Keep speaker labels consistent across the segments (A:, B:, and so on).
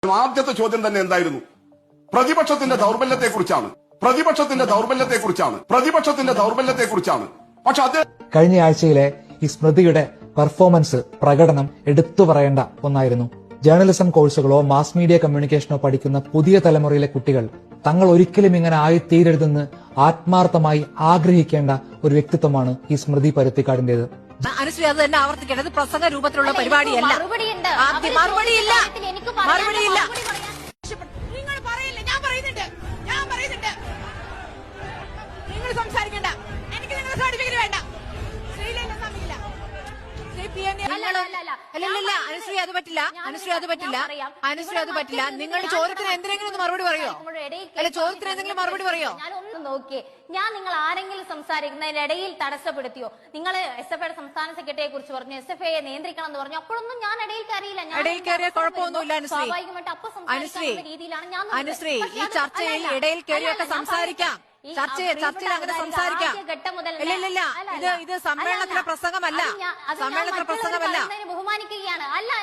A: ആദ്യത്തെ ചോദ്യം തന്നെ എന്തായിരുന്നു? പ്രതിപക്ഷത്തിന്റെ ദൗർബല്യത്തെക്കുറിച്ചാണ്. പക്ഷെ അത്
B: കഴിഞ്ഞ ആഴ്ചയിലെ ഈ സ്മൃതിയുടെ പെർഫോമൻസ് പ്രകടനം എടുത്തു പറയേണ്ട ഒന്നായിരുന്നു. ജേർണലിസം കോഴ്സുകളോ മാസ് മീഡിയ കമ്മ്യൂണിക്കേഷനോ പഠിക്കുന്ന പുതിയ തലമുറയിലെ കുട്ടികൾ തങ്ങൾ ഒരിക്കലും ഇങ്ങനെ ആയിത്തീരരുതെന്ന് ആത്മാർത്ഥമായി ആഗ്രഹിക്കേണ്ട ഒരു വ്യക്തിത്വമാണ് ഈ സ്മൃതി പരുത്തിക്കാടിന്റേത്.
C: അനുശ്രീ അത് തന്നെ ആവർത്തിക്കേണ്ടത് പ്രസംഗ രൂപത്തിലുള്ള പരിപാടിയല്ല. മറുപടിയില്ല. നിങ്ങൾ പറയില്ല, ഞാൻ പറയുന്നുണ്ട്. നിങ്ങൾ സംസാരിക്കണ്ട. എനിക്ക് നിങ്ങളുടെ സർട്ടിഫിക്കറ്റ് വേണ്ട. അനുശ്രീ അത് പറ്റില്ല. നിങ്ങളുടെ ചോദ്യത്തിന് എന്തെങ്കിലും ഒന്ന് മറുപടി പറയോ? ചോദ്യത്തിന് എന്തെങ്കിലും മറുപടി പറയോ?
D: ഞാനൊന്ന് നോക്കിയേ, ഞാൻ നിങ്ങൾ ആരെങ്കിലും സംസാരിക്കുന്നതിനിടയിൽ തടസ്സപ്പെടുത്തിയോ? നിങ്ങൾ SFIയുടെ സംസ്ഥാന സെക്രട്ടറിയെ കുറിച്ച് പറഞ്ഞു, SFIയെ നിയന്ത്രിക്കണം എന്ന് പറഞ്ഞു. അപ്പോഴൊന്നും ഞാൻ ഇടയിൽ കയറിയില്ല.
C: ഇടയിൽ കയറിയ കുഴപ്പമൊന്നുമില്ല
D: സ്വാഭാവികമായിട്ട് അപ്പൊ സംസാരിക്കുന്ന രീതിയിലാണ് ഞാൻ.
C: അനുശ്രീ, ഈ ചർച്ചയിൽ ഇടയിൽ കയറിയൊക്കെ സംസാരിക്കാം. ചർച്ചയിൽ അങ്ങനെ സംസാരിക്കാം. ഇല്ല, ഇത് സമ്മേളനത്തിലെ പ്രസംഗമല്ല.
D: ബഹുമാനിക്കുകയാണ്.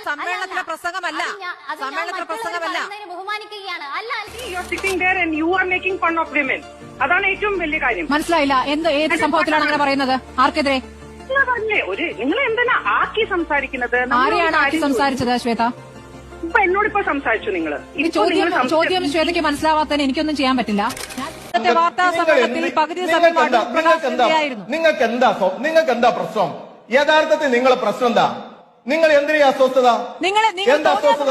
E: അതാണ് ഏറ്റവും വലിയ കാര്യം.
C: മനസ്സിലായില്ല, ഏത് സംഭവത്തിലാണ് അങ്ങനെ പറയുന്നത്? ആർക്കെതിരെ?
E: നിങ്ങൾ എന്തിനാ ആക്കി സംസാരിക്കുന്നത്?
C: ആരെയാണ് ആക്കി സംസാരിച്ചത്? ശ്വേത
E: ഇപ്പൊ എന്നോടിപ്പോ സംസാരിച്ചു. നിങ്ങള്
C: ചോദ്യം ശ്വേതയ്ക്ക് മനസ്സിലാവാത്തതിന് എനിക്കൊന്നും ചെയ്യാൻ പറ്റില്ല. വാർത്താ സമ്മേളനത്തിൽ പകുതി സമയം
F: നിങ്ങൾക്ക് എന്താ പ്രശ്നം? യഥാർത്ഥത്തിൽ നിങ്ങളെ പ്രശ്നം എന്താ? നിങ്ങൾ എന്തിനാ അസ്വസ്ഥത? എന്താ അസ്വസ്ഥത?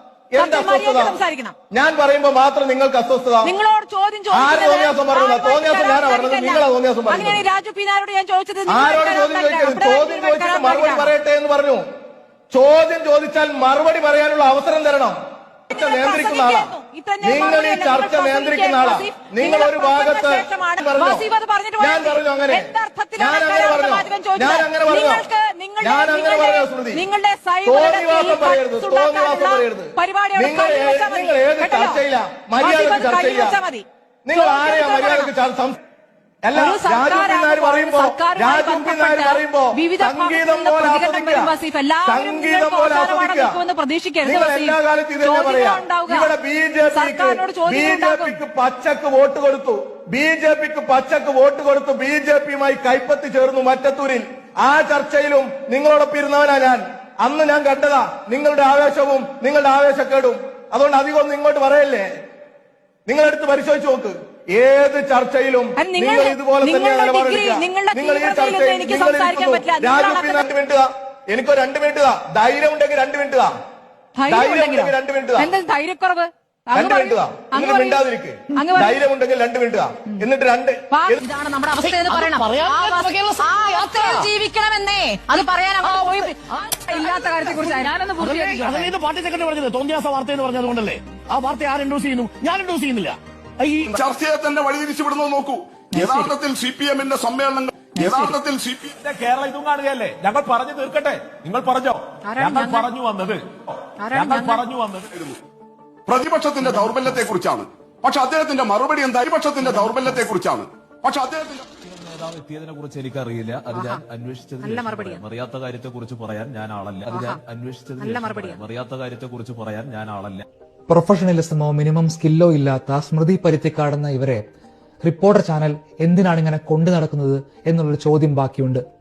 F: ഞാൻ പറയുമ്പോ മാത്രം നിങ്ങൾക്ക് അസ്വസ്ഥത.
C: നിങ്ങളോട് ചോദ്യം
F: തോന്നിയാസം പറഞ്ഞത്? തോന്നിയാസം ഞാനാ പറഞ്ഞത്? നിങ്ങളാ തോന്നിയാസം പറഞ്ഞത്?
C: രാജു പീനാരോട് ഞാൻ ചോദിച്ചത്
F: ആരോട് ചോദ്യം ചോദിക്കരുത്? ചോദ്യം ചോദിച്ചിട്ട് മറുപടി പറയട്ടെ എന്ന് പറഞ്ഞു. ചോദ്യം ചോദിച്ചാൽ മറുപടി പറയാനുള്ള അവസരം തരണം. ചർച്ച നിയന്ത്രിക്കുന്ന ആളാ നിങ്ങൾ. ഈ ചർച്ച നിയന്ത്രിക്കുന്ന ആളാ നിങ്ങൾ. ഒരു ഭാഗത്ത് ഞാൻ പറഞ്ഞു അങ്ങനെ പറഞ്ഞു സ്മൃതി. തോന്നിവാസം പറയരുത്. നിങ്ങൾ ഏത് ചർച്ചയില്ല? മര്യാദക്ക് ചർച്ചയില്ല. നിങ്ങൾ ആരെയാ മര്യാദക്ക് അല്ല, രാജുപിന്നാർ പറയുമ്പോ സംഗീതം പോലെ ആസ്വദിക്കുക. നിങ്ങൾ എല്ലാ കാലത്തും ഇതന്നെ പറയാ. ഇവിടെ ബിജെപിക്ക് പച്ചക്ക് വോട്ട് കൊടുത്തു. ബിജെപിയുമായി കൈപ്പത്തി ചേർന്നു മറ്റത്തൂരിൽ. ആ ചർച്ചയിലും നിങ്ങളോടൊപ്പം ഇരുന്നവനാ ഞാൻ. അന്ന് ഞാൻ കണ്ടതാ നിങ്ങളുടെ ആവേശവും നിങ്ങളുടെ ആവേശക്കേടും. അതുകൊണ്ട് അധികമൊന്നും ഇങ്ങോട്ട് പറയല്ലേ. നിങ്ങളെടുത്ത് പരിശോധിച്ച് നോക്ക്. ഏത് ചർച്ചയിലും നിങ്ങൾ ഇതുപോലെ തന്നെയാണ് നിലപാടെടുക്കുക. നിങ്ങൾ ഈ ചർച്ചയിൽ എനിക്കൊരു 2 മിനിറ്റ് ധൈര്യം ഉണ്ടെങ്കിൽ 2 മിനിറ്റ്
C: ധൈര്യക്കുറവ്
F: നിങ്ങൾ മിണ്ടാതിരിക്കുക. ധൈര്യം ഉണ്ടെങ്കിൽ 2 മിനിറ്റ് എന്നിട്ട്
C: ഇതാണ് നമ്മുടെ അവസ്ഥ എന്ന് പറയണം. ജീവിക്കണമെന്നേ അത് പറയാൻ ഇല്ലാത്ത കാര്യത്തെ കുറിച്ച് ഞാനൊന്ന്
G: പാർട്ടി സെക്രട്ടറി പറഞ്ഞത് തോന്നിയാസ വാർത്ത എന്ന് പറഞ്ഞതുകൊണ്ടല്ലേ ആ വാർത്ത ആര് ഇൻഡ്യൂസ് ചെയ്യുന്നു? ഞാൻ ഇൻഡ്യൂസ് ചെയ്യുന്നില്ല.
A: ഈ ചർച്ചയെ തന്നെ വഴിതിരിച്ചുവിടുന്നത് നോക്കൂ. യഥാർത്ഥത്തിൽ CPMന്റെ സമ്മേളനങ്ങൾ
H: കേരളം ഇതും കാണുകയല്ലേ? ഞങ്ങൾ പറഞ്ഞു തീർക്കട്ടെ. നിങ്ങൾ പറഞ്ഞോ? ഞങ്ങൾ പറഞ്ഞു വന്നത്
A: പ്രതിപക്ഷത്തിന്റെ ദൗർബല്യത്തെക്കുറിച്ചാണ്. പക്ഷെ അദ്ദേഹത്തിന്റെ മറുപടി എന്താ? പ്രതിപക്ഷത്തിന്റെ ദൗർബല്യത്തെക്കുറിച്ചാണ്. പക്ഷെ അദ്ദേഹത്തിന്റെ
H: നേതാവ് എത്തിയതിനെ കുറിച്ച് എനിക്കറിയില്ല. അത് ഞാൻ അന്വേഷിച്ചതിന് അറിയാത്ത കാര്യത്തെ കുറിച്ച് പറയാൻ ഞാൻ ആളല്ല. അറിയാത്ത കാര്യത്തെ കുറിച്ച് പറയാൻ ഞാൻ ആളല്ല.
B: പ്രൊഫഷണലിസമോ മിനിമം സ്കില്ലോ ഇല്ലാത്ത സ്മൃതി പരുത്തിക്കാടുന്ന ഇവരെ റിപ്പോർട്ടർ ചാനൽ എന്തിനാണ് ഇങ്ങനെ കൊണ്ടു നടക്കുന്നത് എന്നുള്ളൊരു ചോദ്യം ബാക്കിയുണ്ട്.